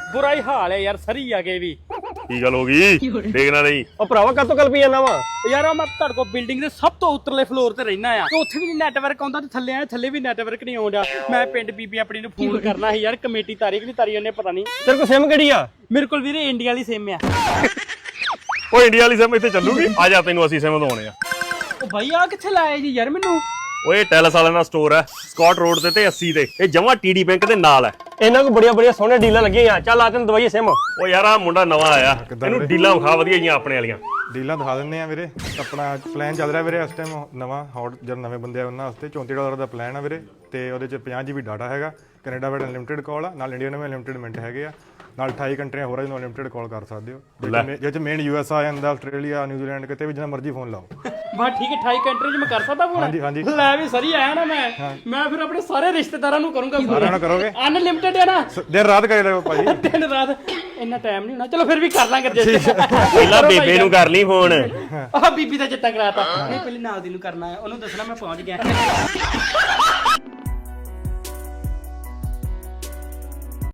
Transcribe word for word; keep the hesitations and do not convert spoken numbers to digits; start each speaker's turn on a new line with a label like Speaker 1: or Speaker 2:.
Speaker 1: ਬੁਰਾ ਹੀ ਹਾਲ ਹੈ ਯਾਰ ਸਰੀ ਆ ਗਏ ਵੀ
Speaker 2: ਕੀ ਗੱਲ ਹੋ ਗਈ ਦੇਖਣਾ ਨਹੀਂ
Speaker 3: ਉਹ ਭਰਾਵਾ ਕਾਤੋਂ ਕਲਪੀ ਜਾਂਦਾ ਵਾ
Speaker 1: ਯਾਰ ਮੈਂ ਤੁਹਾਡੇ ਕੋਲ ਬਿਲਡਿੰਗ ਦੇ ਸਭ ਤੋਂ ਉੱਤਰਲੇ ਫਲੋਰ ਤੇ ਰਹਿਣਾ ਆ ਤੇ ਉੱਥੇ ਵੀ ਨੈਟਵਰਕ ਆਉਂਦਾ ਤੇ ਥੱਲੇ ਆ ਥੱਲੇ ਵੀ ਨੈਟਵਰਕ ਨਹੀਂ ਆਉਂਦਾ ਮੈਂ ਪਿੰਡ ਬੀਬੀ ਆਪਣੀ ਨੂੰ ਫੋਨ ਕਰਨਾ ਸੀ ਯਾਰ ਕਮੇਟੀ ਤਾਰੀਖ ਨਹੀਂ ਤਾਰੀ ਉਹਨੇ ਪਤਾ ਨਹੀਂ
Speaker 3: ਤੇਰੇ ਕੋਲ ਸਿਮ ਕਿਹੜੀ ਆ
Speaker 1: ਮੇਰੇ ਕੋਲ ਵੀਰੇ ਇੰਡੀਆ ਵਾਲੀ ਸਿਮ ਆ
Speaker 2: ਉਹ ਇੰਡੀਆ ਵਾਲੀ ਸਿਮ ਇੱਥੇ ਚੱਲੂਗੀ ਆ ਜਾ ਤੈਨੂੰ ਅਸੀਂ ਸਿਮ ਦਵਾਉਣੇ ਆ
Speaker 1: ਉਹ ਬਾਈ ਆ ਕਿੱਥੇ ਲਾਇਆ ਜੀ ਯਾਰ ਮੈਨੂੰ
Speaker 2: ਓਏ ਟੈਲਸ ਵਾਲਿਆਂ ਦਾ ਸਟੋਰ ਹੈ ਸਕਾਟ ਰੋਡ ਤੇ ਤੇ ਅੱਸੀ ਤੇ ਇਹ ਜਮਾ ਟੀਡੀ ਬੈਂਕ ਦੇ ਨਾਲ ਹੈ
Speaker 3: ਇਹਨਾਂ ਕੋ ਬੜੀਆਂ ਬੜੀਆਂ ਸੋਹਣੇ ਡੀਲਾਂ ਲੱਗੀਆਂ ਚੱਲ ਆ ਤੈਨੂੰ ਦਵਾਈਏ ਸਿਮ
Speaker 2: ਉਹ ਯਾਰ ਆ ਮੁੰਡਾ ਨਵਾਂ ਆਇਆ ਇਹਨੂੰ ਡੀਲਾਂ ਵਿਖਾ ਵਧੀਆ ਜੀਆਂ ਆਪਣੇ ਵਾਲੀਆਂ
Speaker 4: ਡੀਲਾਂ ਦਿਖਾ ਦਿੰਦੇ ਆ ਵੀਰੇ ਆਪਣਾ ਪਲਾਨ ਚੱਲ ਰਿਹਾ ਵੀਰੇ ਇਸ ਟਾਈਮ ਨਵਾਂ ਹੌਟ ਜਦ ਨਵੇਂ ਬੰਦੇ ਆ ਉਹਨਾਂ ਵਾਸਤੇ ਚੌਂਤੀ ਡਾਲਰ ਦਾ ਪਲਾਨ ਆ ਵੀਰੇ ਤੇ ਉਹਦੇ ਚ ਪੰਜਾਹ ਜੀ ਬੀ ਡਾਟਾ ਹੈਗਾ ਕੈਨੇਡਾ ਵਿੱਚ ਅਨਲਿਮਿਟਿਡ ਕਾਲ ਆ ਨਾਲ ਇੰਡੀਆ ਵਿੱਚ ਅਨਲਿਮਿਟਿਡ ਮਿੰਟ ਹੈਗੇ ਆ ਨਾਲ ਅਠਾਈ ਕੰਟਰੀਆਂ ਹੋਰ ਜਿਹਨੂੰ ਅਨਲਿਮਿਟਿਡ ਕਾਲ ਕਰ ਸਕਦੇ ਹੋ ਜੇ ਚ ਮੇਨ ਯੂ ਐਸ ਆ ਜਾਂਦਾ ਆਸਟ੍ਰੇਲੀਆ ਨਿਊਜ਼ੀਲੈਂਡ ਕਿਤੇ ਵੀ ਜਿੰਨਾ ਮਰਜ਼ੀ ਫੋਨ ਲਾਓ
Speaker 1: ਬਾ ਠੀਕ ਹੈ ਅਠਾਈ ਕੰਟਰੀ ਚ ਮੈਂ ਕਰ ਸਕਦਾ ਫੋਨ
Speaker 4: ਹਾਂਜੀ ਹਾਂਜੀ
Speaker 1: ਲੈ ਵੀ ਸਰੀ ਆਇਆ ਨਾ ਮੈਂ ਮੈਂ ਫਿਰ ਆਪਣੇ ਸਾਰੇ ਰਿਸ਼ਤੇਦਾਰਾਂ ਨੂੰ ਕਰੂੰਗਾ
Speaker 4: ਸਾਰਿਆਂ ਨਾਲ ਕਰੋਗੇ
Speaker 1: ਅਨਲਿਮਿਟਿਡ ਹੈ ਨਾ
Speaker 4: ਦਿਨ ਰਾਤ ਕਰੇ ਰਹੋ ਭਾਜੀ
Speaker 1: ਦਿਨ ਰਾਤ ਇੰਨਾ ਟਾਈਮ ਨਹੀਂ ਹੋਣਾ ਚਲੋ ਫਿਰ ਵੀ ਕਰ ਲਾਂਗੇ ਜੇ
Speaker 2: ਪਹਿਲਾਂ ਬੇਬੇ ਨੂੰ ਕਰ ਲਈ ਫੋਨ
Speaker 1: ਆਹ ਬੀਬੀ ਦਾ ਚਿੱਟਾ ਕਰਾਤਾ ਨਹੀਂ ਪਹਿਲੇ ਨਾਲ ਦੀ ਨੂੰ ਕਰਨਾ ਹੈ ਉਹਨੂੰ ਦੱਸਣਾ ਮੈਂ ਪਹੁੰਚ ਗਿਆ